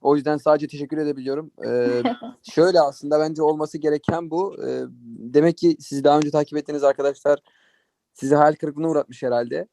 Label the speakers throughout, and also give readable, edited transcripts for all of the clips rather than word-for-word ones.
Speaker 1: O yüzden sadece teşekkür edebiliyorum. Şöyle aslında bence olması gereken bu. Demek ki siz daha önce takip ettiğiniz arkadaşlar sizi hayal kırıklığına uğratmış herhalde.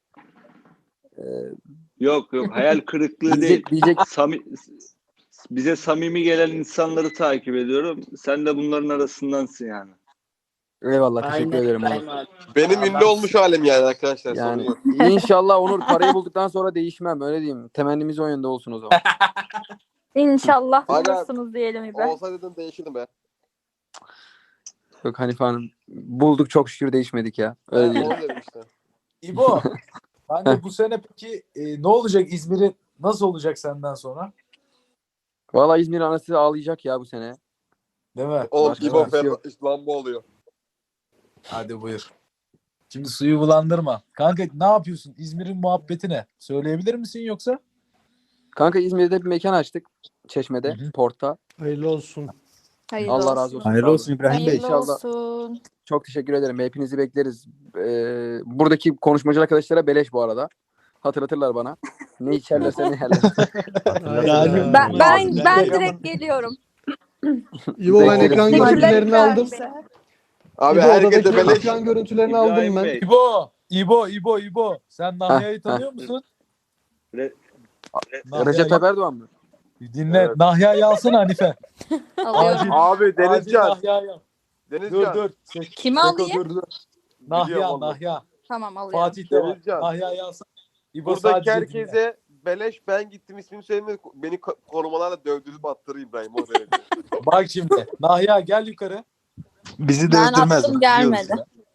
Speaker 2: Yok hayal kırıklığı değil.
Speaker 1: Diyecek
Speaker 2: Bize samimi gelen insanları takip ediyorum. Sen de bunların arasındansın yani.
Speaker 1: Eyvallah, teşekkür ederim Onur.
Speaker 3: Benim ünlü olmuş halim yani arkadaşlar.
Speaker 1: Yani
Speaker 3: Sorun yok.
Speaker 1: inşallah Onur parayı bulduktan sonra değişmem, öyle diyeyim. Temennimiz o yönde olsun o zaman.
Speaker 4: İnşallah
Speaker 3: Hala-
Speaker 4: bulursunuz diyelim İbrahim.
Speaker 3: Olsa dedim değişirdim be.
Speaker 1: Yok Hanife Hanım, bulduk çok şükür, değişmedik ya. Öyle diyelim.
Speaker 3: Onu dedim işte.
Speaker 5: İbo, ben de bu sene peki ne olacak İzmir'in, nasıl olacak senden sonra?
Speaker 1: Valla İzmir anası ağlayacak ya bu sene.
Speaker 5: Değil mi?
Speaker 3: Oğlum
Speaker 1: Başka
Speaker 3: İbo
Speaker 1: bir şey yok.
Speaker 3: Lamba oluyor.
Speaker 5: Hadi buyur. Şimdi suyu bulandırma. Kanka ne yapıyorsun? İzmir'in muhabbeti ne? Söyleyebilir misin yoksa?
Speaker 1: Kanka İzmir'de bir mekan açtık. Çeşme'de,
Speaker 5: Hı hı.
Speaker 1: Port'ta.
Speaker 6: Hayırlı olsun.
Speaker 4: Hayırlı
Speaker 1: Allah
Speaker 4: olsun.
Speaker 1: razı olsun.
Speaker 7: Hayırlı olsun İbrahim Bey.
Speaker 4: Hayırlı
Speaker 1: İnşallah.
Speaker 4: olsun.
Speaker 1: Çok teşekkür ederim. Hepinizi bekleriz. Buradaki konuşmacı arkadaşlara beleş bu arada. Hatırlatırlar bana. Ne içerlerse ne yerler.
Speaker 6: Yani,
Speaker 4: Ben direkt geliyorum.
Speaker 6: İbo ben
Speaker 1: Bekleriz.
Speaker 6: ekran
Speaker 4: Teşekkürler
Speaker 6: görüntülerini aldım.
Speaker 4: İbrahim.
Speaker 3: Abi
Speaker 6: İbo
Speaker 3: herkese
Speaker 6: odadaki
Speaker 3: beleş.
Speaker 6: ekran görüntülerini aldım
Speaker 2: İbrahim
Speaker 6: ben.
Speaker 2: Bey,
Speaker 5: İbo. Sen Nahya'yı tanıyor musun?
Speaker 1: Recep Tayyip Erdoğan mı?
Speaker 5: Dinle.
Speaker 3: Evet.
Speaker 5: Nahya'yı alsana Hanife.
Speaker 4: Alıyorum.
Speaker 3: Abi
Speaker 5: Acil
Speaker 3: Denizcan.
Speaker 5: Nahya'yı al.
Speaker 3: Denizcan.
Speaker 5: Dur.
Speaker 4: Kimi
Speaker 5: Seko,
Speaker 4: alayım?
Speaker 5: dur. Nahya.
Speaker 4: Tamam alıyorum.
Speaker 5: Fatih de var.
Speaker 3: Denizcan.
Speaker 5: Nahya'yı alsana. İbo
Speaker 3: Buradaki
Speaker 5: sadece
Speaker 3: herkese beleş, ben gittim ismini söyleme, beni korumalarla dövdürüp attırır İbrahim o derece.
Speaker 5: dinle. Bak şimdi. Nahya gel yukarı.
Speaker 7: Bizi de
Speaker 4: Ben
Speaker 7: öldürmez.
Speaker 4: attım gelmedi.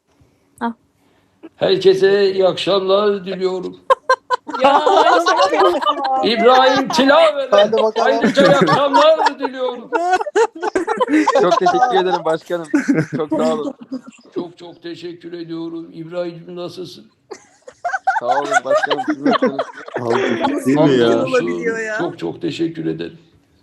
Speaker 8: Herkese iyi akşamlar diliyorum.
Speaker 4: Ya
Speaker 8: İbrahim Tilaver'e
Speaker 6: Hadi bakalım.
Speaker 8: ayrıca iyi akşamlar diliyorum.
Speaker 1: Çok teşekkür ederim başkanım. Çok sağ olun.
Speaker 8: Çok teşekkür ediyorum. İbrahim'cim nasılsın?
Speaker 1: Sağ olun başkanım. Siz nasılsınız?
Speaker 7: Değil mi ya?
Speaker 8: Hamdolsun. Çok teşekkür ederim.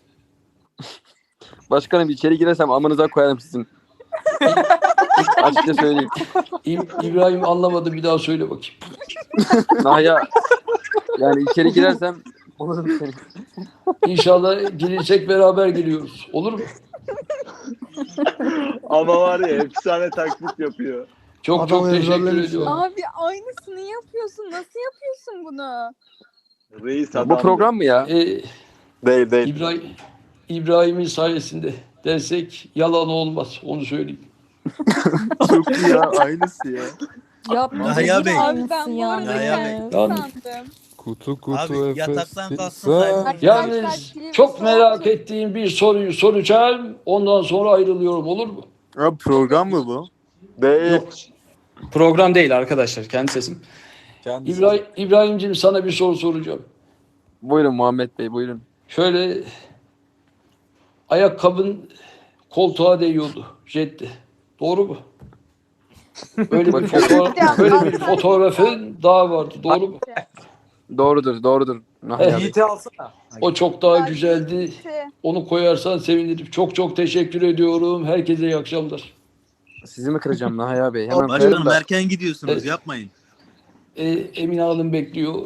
Speaker 1: Başkanım içeri girersem amınıza koyarım sizin. Açıkça söyleyeyim.
Speaker 8: İbrahim anlamadı, bir daha söyle bakayım.
Speaker 1: Nahya, yani içeri girersem olurum seni.
Speaker 8: İnşallah gelirsek beraber geliyoruz. Olur mu?
Speaker 2: Ama var ya efsane taklit yapıyor.
Speaker 8: Çok
Speaker 6: Adam
Speaker 8: teşekkür
Speaker 6: ezberlemiş
Speaker 8: ediyorum.
Speaker 4: abi aynısını yapıyorsun. Nasıl yapıyorsun bunu?
Speaker 2: Reis
Speaker 1: Bu
Speaker 2: adam.
Speaker 1: program mı ya?
Speaker 3: Değil.
Speaker 8: İbrahim'in sayesinde dersek yalan olmaz. Onu söyleyeyim.
Speaker 7: Çok iyi ya. Aynısı ya.
Speaker 4: Yapma.
Speaker 7: Nahya Bey.
Speaker 4: Abi ben bu arada
Speaker 7: Nahya
Speaker 4: kendisi
Speaker 8: Bey.
Speaker 4: sandım.
Speaker 7: Kutu Abi yataktan kalksın.
Speaker 8: Yalnız çok merak ettiğim bir soruyu soracağım. Ondan sonra ayrılıyorum, olur mu?
Speaker 7: Abi program mı bu?
Speaker 3: Değil.
Speaker 9: Program değil arkadaşlar. Kendi sesim.
Speaker 5: Kendisi.
Speaker 8: İbrahim'cim sana bir soru soracağım.
Speaker 1: Buyurun Muhammed Bey, buyurun.
Speaker 8: Şöyle ayakkabın koltuğa değiyordu. Jetti. Doğru mu? Böyle bir fotoğrafın daha vardı. Doğru mu?
Speaker 1: Doğrudur. Nahya Bey.
Speaker 5: Yiğit'i alsana.
Speaker 8: O çok daha güzeldi. Onu koyarsan sevinirim. Çok teşekkür ediyorum. Herkese iyi akşamlar.
Speaker 1: Sizi mi kıracağım Nahya Bey? Hemen koyarım
Speaker 7: Başkanım
Speaker 1: da.
Speaker 7: erken gidiyorsunuz.
Speaker 8: Evet.
Speaker 7: Yapmayın.
Speaker 8: Emine Hanım bekliyor.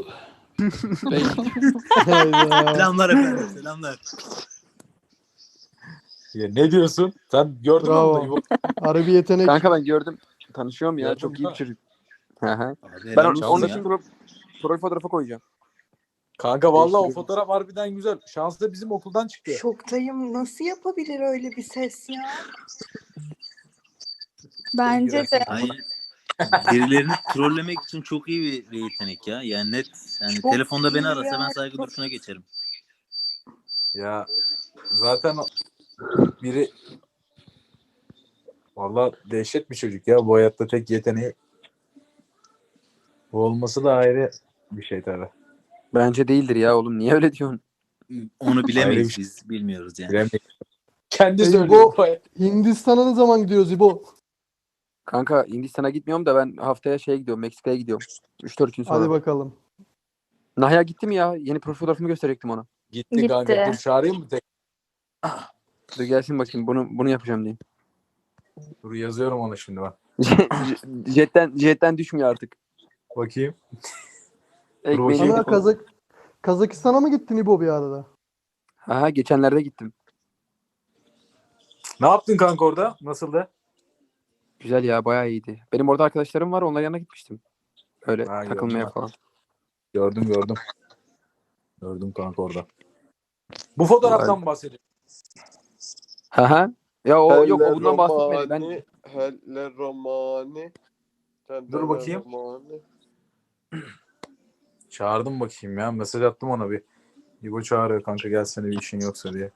Speaker 7: Selamlar efendim. Selamlar.
Speaker 5: Ya, ne diyorsun? Sen gördün mü
Speaker 6: Bravo.
Speaker 5: onu da İbo?
Speaker 6: Harbi yetenek.
Speaker 1: Kanka ben gördüm. Tanışıyorum ya.
Speaker 5: Gördün
Speaker 1: Çok iyi
Speaker 5: mü?
Speaker 1: bir çocuk. Hı hı.
Speaker 7: Abi,
Speaker 1: Ben
Speaker 7: helal olsun
Speaker 1: onun
Speaker 7: ya.
Speaker 1: için profil fotoğrafı koyacağım.
Speaker 5: Kanka vallahi o fotoğraf harbiden güzel. Şans da bizim okuldan çıktı.
Speaker 10: Şoktayım. Nasıl yapabilir öyle bir ses ya?
Speaker 4: Bence de.
Speaker 7: Aynen. Birilerini trollemek için çok iyi bir yetenek ya. Yani net. Yani
Speaker 10: Çok
Speaker 7: telefonda beni
Speaker 10: iyi
Speaker 7: arasa
Speaker 10: ya,
Speaker 7: ben saygı
Speaker 10: çok-
Speaker 7: duruşuna geçerim.
Speaker 5: Ya zaten biri vallahi dehşet bir çocuk ya. Bu hayatta tek yeteneği bu olması da ayrı bir şey tabii.
Speaker 1: Bence değildir ya oğlum. Niye öyle diyorsun?
Speaker 7: Onu bilemeyiz
Speaker 5: Ayrı bir şey.
Speaker 7: biz. Bilmiyoruz yani.
Speaker 5: Bilemeyiz. Kendi
Speaker 6: İbo,
Speaker 5: söylüyor.
Speaker 6: Hindistan'a ne zaman gidiyoruz İbo?
Speaker 1: Kanka Hindistan'a gitmiyorum da ben haftaya şeye gidiyorum. Meksika'ya gidiyorum. 3-4 gün sonra.
Speaker 6: Hadi bakalım.
Speaker 1: Nahya gitti mi ya? Yeni profil fotoğrafımı gösterecektim ona.
Speaker 5: Gitti kanka. Dur çağırayım mı tek?
Speaker 1: Dur gelsin bakayım. Bunu yapacağım diyeyim.
Speaker 5: Dur yazıyorum onu şimdi ben.
Speaker 1: Jetten düşmüyor artık.
Speaker 5: Bakayım.
Speaker 1: Ekmeğini
Speaker 6: Ana
Speaker 1: yedik onu.
Speaker 6: Kazakistan'a mı gittin İbo bir arada?
Speaker 1: Ha, geçenlerde gittim.
Speaker 5: Ne yaptın kanka orada? Nasıldı?
Speaker 1: Güzel ya, bayağı iyiydi. Benim orada arkadaşlarım var, onların yanına gitmiştim. Öyle
Speaker 5: Ha,
Speaker 1: takılmaya
Speaker 5: gördüm.
Speaker 1: falan.
Speaker 5: Gördüm. Gördüm kanka orada. Bu fotoğraftan mı bahsediyorsun?
Speaker 1: Ha. Ya o yok, o bundan
Speaker 3: Helle
Speaker 1: bahsetmedi. Ben
Speaker 3: romani, helle romani.
Speaker 5: Dur bakayım. Çağırdım bakayım ya. Mesaj attım ona bir. İbo çağırıyor kanka, gelsene bir işin yoksa diye.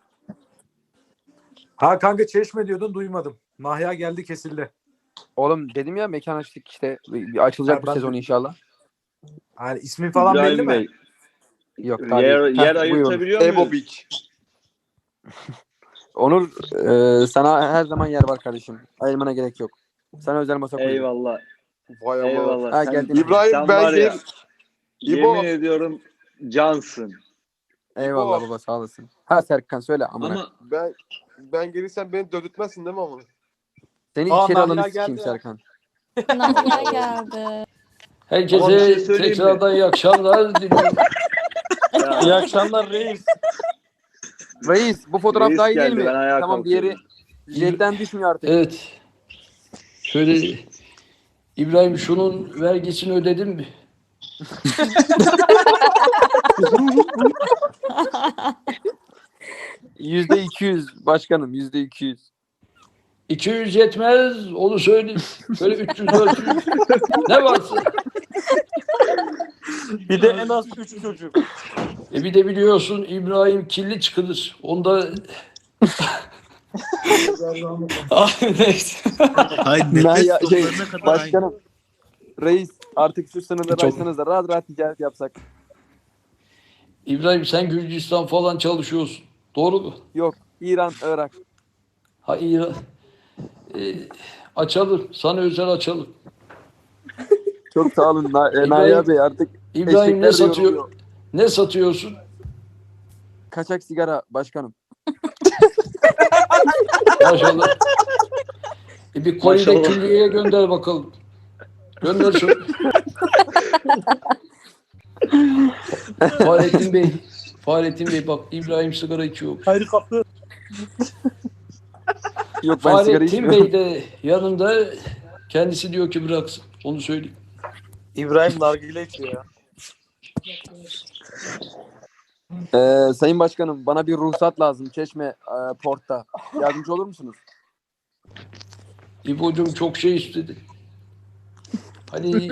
Speaker 5: Ha kanka, Çeşme diyordun, duymadım. Nahya geldi, kesildi.
Speaker 1: oğlum dedim ya, mekan açtık işte. Bir açılacak
Speaker 5: Ha,
Speaker 1: bu
Speaker 5: ben
Speaker 1: sezon
Speaker 5: de-
Speaker 1: inşallah.
Speaker 5: Yani ismin falan belli
Speaker 2: İbrahim
Speaker 5: mi?
Speaker 2: Bey.
Speaker 1: Yok daha
Speaker 2: Yer,
Speaker 1: değil.
Speaker 2: yer
Speaker 1: Heh, buyurun.
Speaker 2: ayırtabiliyor
Speaker 3: Ebo
Speaker 2: muyuz?
Speaker 3: Beach.
Speaker 1: Onur, sana her zaman yer var kardeşim. Ayırmana gerek yok. Sana özel masa koydum.
Speaker 2: Eyvallah.
Speaker 3: Vay ama.
Speaker 2: Eyvallah.
Speaker 1: Ha,
Speaker 2: Sen,
Speaker 1: geldin.
Speaker 3: İbrahim,
Speaker 2: sen
Speaker 3: ben
Speaker 2: var ya,
Speaker 3: İbo.
Speaker 2: yemin ediyorum cansın.
Speaker 1: Eyvallah
Speaker 3: İbo.
Speaker 1: baba, sağ olasın. Ha Serkan, söyle amına.
Speaker 2: Ama
Speaker 3: Ben gelirsem beni dövdürtmezsin değil mi ama?
Speaker 1: Seni
Speaker 5: Aa,
Speaker 1: içeri
Speaker 5: Nahya
Speaker 1: alını
Speaker 5: geldi
Speaker 1: sikeyim
Speaker 5: ya.
Speaker 1: Serkan.
Speaker 4: Nahya geldi.
Speaker 8: Herkese
Speaker 2: Ama bir şey söyleyeyim mi?
Speaker 8: tekrardan iyi akşamlar diliyorum.
Speaker 2: ya,
Speaker 9: akşamlar reis.
Speaker 1: Reis, bu fotoğraf
Speaker 2: reis
Speaker 1: daha iyi değil
Speaker 2: geldi,
Speaker 1: mi?
Speaker 2: ben ayağa
Speaker 1: Tamam, diğeri
Speaker 2: kalkıyorum.
Speaker 1: jetten düşmüyor artık.
Speaker 8: Evet. Şöyle İbrahim, şunun vergisini ödedin mi?
Speaker 1: %200 başkanım, %200.
Speaker 8: 200 yetmez, onu söyleyeyim. Şöyle 300 400 ne varsa.
Speaker 9: Bir de en az 3 çocuk.
Speaker 8: Bir de biliyorsun İbrahim kirli çıkılır. Onda neyse.
Speaker 7: Hayır, nefes
Speaker 1: Nahya,
Speaker 7: stoplarına kadar aynı.
Speaker 1: başkanım. Reis, artık şu sınırları
Speaker 8: Çok-
Speaker 1: açsanız da rahat rahat ticaret yapsak.
Speaker 8: İbrahim, sen Gürcistan falan çalışıyorsun. Doğru mu?
Speaker 1: Yok, İran, Irak.
Speaker 8: Hayır. Açalım. Sana özel açalım.
Speaker 1: Çok sağ olun
Speaker 8: İbrahim-
Speaker 1: Nahya Bey, artık
Speaker 8: İbrahim, ne
Speaker 1: eşekler de
Speaker 8: satıyor?
Speaker 1: yoruluyor.
Speaker 8: Ne satıyorsun?
Speaker 1: Kaçak sigara başkanım.
Speaker 8: Maşallah. Bir koli de
Speaker 2: Maşallah.
Speaker 8: külliyeye gönder bakalım. Gönder şunu. Fahrettin Bey bak, İbrahim sigara içiyor.
Speaker 9: Hayır kapı.
Speaker 1: Yok, ben sigara
Speaker 8: Fahrettin
Speaker 1: içmiyorum.
Speaker 8: Bey de yanında, kendisi diyor ki bıraksın. Onu söyleyeyim.
Speaker 9: İbrahim nargile içiyor ya.
Speaker 1: Sayın Başkanım, bana bir ruhsat lazım Çeşme Port'ta. Yardımcı olur musunuz?
Speaker 8: İbo'cum çok şey istedi. Hani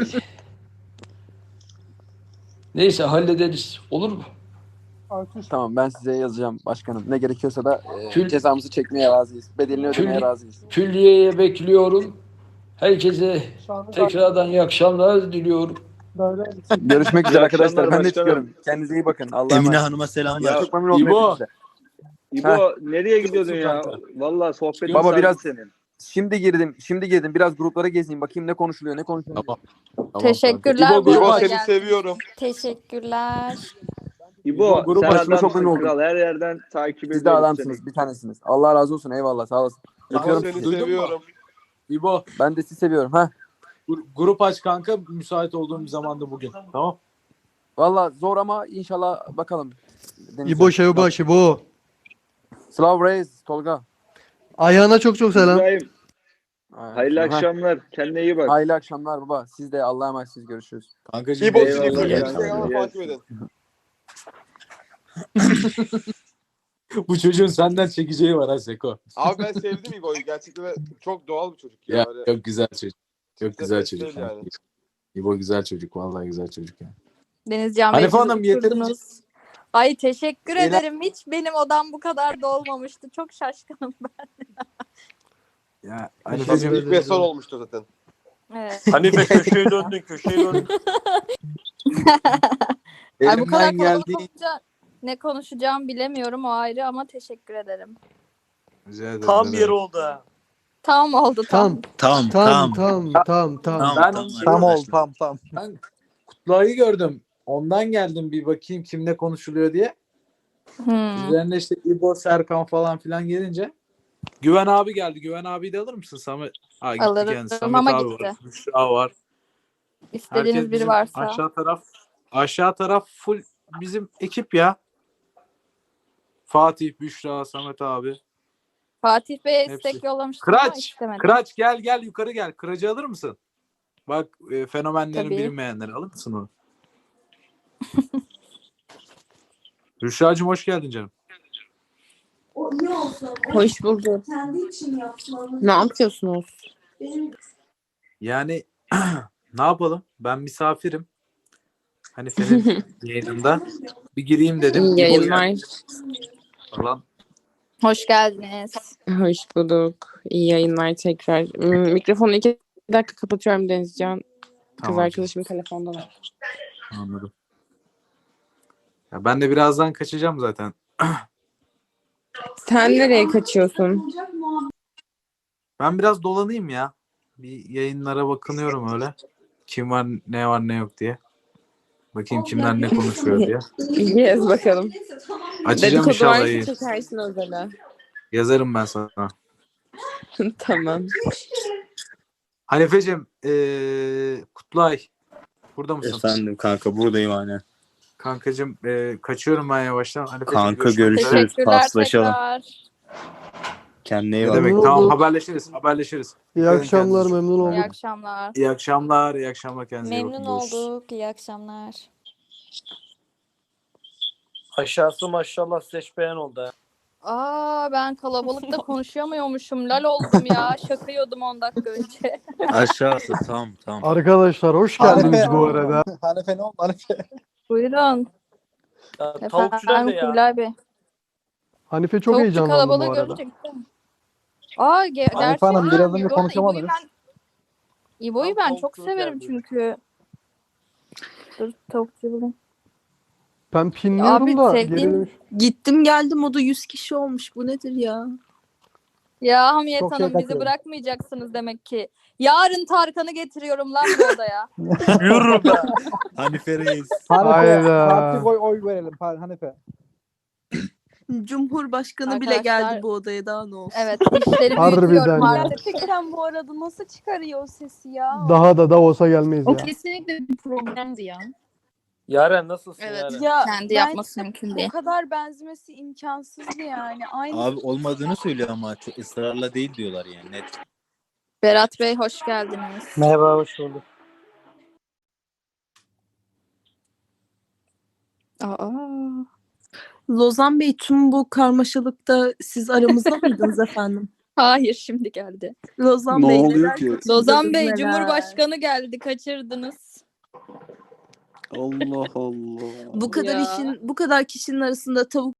Speaker 8: neyse, hallederiz. Olur mu?
Speaker 1: Tamam, ben size yazacağım başkanım. Ne gerekiyorsa da
Speaker 8: Kül-
Speaker 1: cezamızı çekmeye razıyız. Bedelini ödemeye
Speaker 8: Kül-
Speaker 1: razıyız.
Speaker 8: Külliyeye bekliyorum. Herkese tekrardan iyi akşamlar diliyorum.
Speaker 1: Görüşmek üzere
Speaker 2: İyi
Speaker 1: arkadaşlar.
Speaker 2: akşamlar
Speaker 1: Ben de
Speaker 2: başkanım.
Speaker 1: çıkıyorum. Kendinize iyi bakın. Allah'a
Speaker 7: Emine
Speaker 1: emanet.
Speaker 7: Hanım'a selamlar.
Speaker 1: Çok memnun oldum
Speaker 5: İbo.
Speaker 1: hepinize.
Speaker 2: İbo, nereye gidiyordun ya? Vallahi sohbetin
Speaker 1: Baba,
Speaker 2: sardı
Speaker 1: biraz-
Speaker 2: senin.
Speaker 1: Şimdi girdim. Biraz gruplara gezeyim. Bakayım ne konuşuluyor, ne konuşuluyor.
Speaker 5: Tamam.
Speaker 4: Teşekkürler.
Speaker 5: İbo,
Speaker 4: bu
Speaker 3: İbo,
Speaker 4: arada
Speaker 3: seni
Speaker 4: geldiğiniz
Speaker 3: seviyorum.
Speaker 4: için. Teşekkürler.
Speaker 2: İbo,
Speaker 1: grup
Speaker 2: sen
Speaker 1: başkanı çok
Speaker 2: adamsın
Speaker 1: memnun oldum.
Speaker 2: kral. Her yerden takip
Speaker 1: Siz de
Speaker 2: ediyoruz
Speaker 1: adamsınız.
Speaker 2: seni.
Speaker 1: Bir tanesiniz. Allah razı olsun. Eyvallah. Sağ olasın.
Speaker 3: İbo,
Speaker 1: Öpüyorum
Speaker 3: seni
Speaker 1: sizi.
Speaker 5: Duydun mu?
Speaker 3: seviyorum.
Speaker 5: İbo,
Speaker 1: Ben de sizi seviyorum. Ha.
Speaker 5: grup aç kanka, müsait olduğum bir zamanda bugün. Tamam.
Speaker 1: Valla zor ama inşallah bakalım. Deneyeceğim.
Speaker 6: İbo Şevbaş İbo.
Speaker 1: Slav Reis, Tolga.
Speaker 6: Ayağına çok çok selam.
Speaker 2: İbrahim, hayırlı
Speaker 1: Ha.
Speaker 2: akşamlar. Kendine iyi bak.
Speaker 1: Hayırlı akşamlar baba. Siz de Allah'a emanetsiniz. Görüşürüz.
Speaker 5: Kankacığım,
Speaker 3: İbo,
Speaker 2: Eyvallah,
Speaker 3: seni
Speaker 2: eyvallah.
Speaker 3: Instagram'da takip edin.
Speaker 5: bu çocuğun senden çekeceği var ha Seko.
Speaker 3: Abi ben sevdim İbo'yu. Gerçekten de çok doğal bir çocuk ya.
Speaker 5: Ya,
Speaker 3: Öyle-
Speaker 5: çok güzel çocuk. Çok
Speaker 3: Kimse
Speaker 5: güzel
Speaker 3: pes
Speaker 5: çocuk.
Speaker 3: değil yani.
Speaker 5: İbo güzel çocuk. Vallahi güzel çocuk yani.
Speaker 4: Denizcan Bey,
Speaker 5: Hanife
Speaker 4: siz
Speaker 5: Hanım, yeterince-
Speaker 4: oturdunuz. Ay teşekkür
Speaker 5: Eğlen-
Speaker 4: ederim. Hiç benim odam bu kadar dolmamıştı. Çok şaşkınım ben.
Speaker 5: Ya
Speaker 3: Tabii
Speaker 5: Hanifeciğim,
Speaker 3: ilk ve son olmuştu zaten.
Speaker 4: Evet.
Speaker 9: Hanife köşeye döndün.
Speaker 4: Ay, bu kadar
Speaker 5: elimden
Speaker 4: kalabalık
Speaker 5: geldiği...
Speaker 4: olunca ne konuşacağımı bilemiyorum, o ayrı, ama teşekkür ederim.
Speaker 5: Rica ederim,
Speaker 9: Tam
Speaker 5: ne
Speaker 9: bir
Speaker 5: demek.
Speaker 9: yer oldu ha.
Speaker 4: Tam oldu tam.
Speaker 6: Tam
Speaker 7: Tamam.
Speaker 5: Ben
Speaker 7: Tam oldu.
Speaker 5: Ben Kutluay'ı gördüm. Ondan geldim bir bakayım kim ne konuşuluyor diye. Üzerine işte İbo, Serkan falan filan gelince Güven abi geldi. Güven abi de alır mısın? Samet. Ha, gitti
Speaker 4: Alırım
Speaker 5: kendisi. Samet
Speaker 4: ama
Speaker 5: abi
Speaker 4: gitti.
Speaker 5: var. Büşra var.
Speaker 4: İstediğiniz
Speaker 5: Herkes
Speaker 4: biri
Speaker 5: bizim
Speaker 4: varsa.
Speaker 5: aşağı taraf full bizim ekip ya. Fatih, Büşra, Samet abi.
Speaker 4: Fatih Bey'e
Speaker 5: Hepsi.
Speaker 4: istek yollamıştım ama
Speaker 5: Kıraç,
Speaker 4: istemedi.
Speaker 5: Kıraç gel yukarı gel. Kıracı alır mısın? Bak fenomenlerin
Speaker 4: Tabii.
Speaker 5: bilinmeyenleri alır mısın onu? Büşra'cığım hoş geldin canım.
Speaker 10: Hoş bulduk. Ne yapıyorsunuz?
Speaker 5: Yani ne yapalım? Ben misafirim. Hani senin yayınında. Bir gireyim dedim.
Speaker 10: İyi
Speaker 5: İbo
Speaker 10: yayınlar.
Speaker 5: geldi falan.
Speaker 4: Hoş geldiniz.
Speaker 10: Hoş bulduk. İyi yayınlar tekrar. Mikrofonu 2 dakika kapatıyorum Denizcan. Kız
Speaker 5: Tamam.
Speaker 10: arkadaşım telefonda var.
Speaker 5: Anladım. Ya ben de birazdan kaçacağım zaten.
Speaker 10: Sen nereye kaçıyorsun?
Speaker 5: Ben biraz dolanayım ya. Bir yayınlara bakınıyorum öyle. Kim var, ne yok diye. Bakayım kimler ne konuşuyor diye.
Speaker 10: Gez bakalım.
Speaker 5: Açacağım
Speaker 10: Dedikodu
Speaker 5: inşallah
Speaker 10: varsa
Speaker 5: yayın.
Speaker 10: çekersin özele.
Speaker 5: Yazarım ben sana.
Speaker 10: Tamam.
Speaker 5: Hanifeciğim, Kutlay. Burada mısın?
Speaker 7: Efendim kanka buradayım aynen.
Speaker 5: Kankacığım, kaçıyorum ben yavaştan. Hanifeciğim,
Speaker 7: Kanka
Speaker 5: görüşmek üzere.
Speaker 7: görüşürüz.
Speaker 4: Teşekkürler
Speaker 7: Paslaşalım.
Speaker 4: tekrar.
Speaker 7: Kendine iyi
Speaker 5: Ne
Speaker 7: bak.
Speaker 5: demek?
Speaker 6: Memnun
Speaker 5: Tamam,
Speaker 6: olduk.
Speaker 5: haberleşiriz.
Speaker 6: İyi
Speaker 5: Dikkat edin
Speaker 6: akşamlar,
Speaker 5: kendinize.
Speaker 6: memnun
Speaker 4: İyi
Speaker 6: olduk.
Speaker 4: akşamlar.
Speaker 5: İyi akşamlar kendinize. iyi bakın.
Speaker 11: Memnun
Speaker 5: Görüşürüz.
Speaker 11: olduk. İyi akşamlar.
Speaker 9: Aşağısı maşallah seçmeyen oldu ha.
Speaker 4: Aa, ben kalabalıkta konuşamıyormuşum. Lal oldum ya. Şaka yiyordum 10 dakika önce.
Speaker 7: Aşağısı tamam.
Speaker 6: Arkadaşlar hoş geldiniz bu arada.
Speaker 1: Hanife ne oldu Hanife?
Speaker 4: Buyurun.
Speaker 9: Ya, tavukçu nerede
Speaker 4: Efendim
Speaker 9: ya?
Speaker 4: Kubilay Bey.
Speaker 6: Hanife çok
Speaker 4: Tavukçu
Speaker 6: heyecanlandı
Speaker 4: kalabalığı
Speaker 6: bu arada.
Speaker 4: görünce gittim. Aa, gerçekten.
Speaker 1: Hanım, biraz önce
Speaker 4: Bu arada
Speaker 1: konuşamadınız.
Speaker 4: İbo'yu
Speaker 9: Tam
Speaker 4: ben çok
Speaker 9: tavukçuluk
Speaker 4: severim
Speaker 9: geldi.
Speaker 4: çünkü. Dur tavukçu bulayım.
Speaker 6: Ben pinliyorum
Speaker 4: Abi,
Speaker 6: da
Speaker 4: sevdiğim-
Speaker 6: geri dönüş.
Speaker 10: Gittim geldim o da 100 kişi olmuş. Bu nedir ya?
Speaker 4: Ya Hamiyet
Speaker 1: Çok şey
Speaker 4: Hanım bizi
Speaker 1: takıyorum.
Speaker 4: bırakmayacaksınız demek ki. Yarın Tarkan'ı getiriyorum lan bu odaya.
Speaker 9: Yürü be.
Speaker 7: Hanife Reis.
Speaker 6: Hayda.
Speaker 1: Parti oy verelim Hanife.
Speaker 10: Cumhurbaşkanı bile
Speaker 4: Arkadaşlar-
Speaker 10: geldi bu odaya, daha ne olsun.
Speaker 4: Evet, işleri
Speaker 6: Harbiden
Speaker 4: büyütüyorum
Speaker 6: ya.
Speaker 4: artık.
Speaker 11: Gerçekten bu arada nasıl çıkarıyor o sesi ya?
Speaker 6: Daha da olsa gelmeyiz ya.
Speaker 11: kesinlikle bir problemdi ya.
Speaker 9: Yaren nasılsın
Speaker 10: Evet.
Speaker 9: Yaren?
Speaker 11: Ya
Speaker 4: Kendi
Speaker 11: ben
Speaker 4: yapması mümkün
Speaker 11: o
Speaker 4: değil.
Speaker 11: kadar benzemesi imkansızdı yani. Aynı
Speaker 7: Abi olmadığını söylüyor ama çok ısrarla değil diyorlar yani net.
Speaker 4: Berat Bey hoş geldiniz.
Speaker 9: Merhaba hoş bulduk.
Speaker 4: Aa.
Speaker 10: Lozan Bey, tüm bu karmaşalıkta siz aramızda mıydınız efendim?
Speaker 4: Hayır, şimdi geldi.
Speaker 10: Lozan
Speaker 1: Ne
Speaker 10: Bey
Speaker 1: oluyor
Speaker 10: neler
Speaker 1: ki?
Speaker 10: kaçırdınız,
Speaker 4: Lozan Bey
Speaker 10: neler?
Speaker 4: Cumhurbaşkanı geldi, kaçırdınız.
Speaker 1: Allah Allah.
Speaker 10: Bu kadar
Speaker 4: Ya.
Speaker 10: bu kadar kişinin arasında tavuk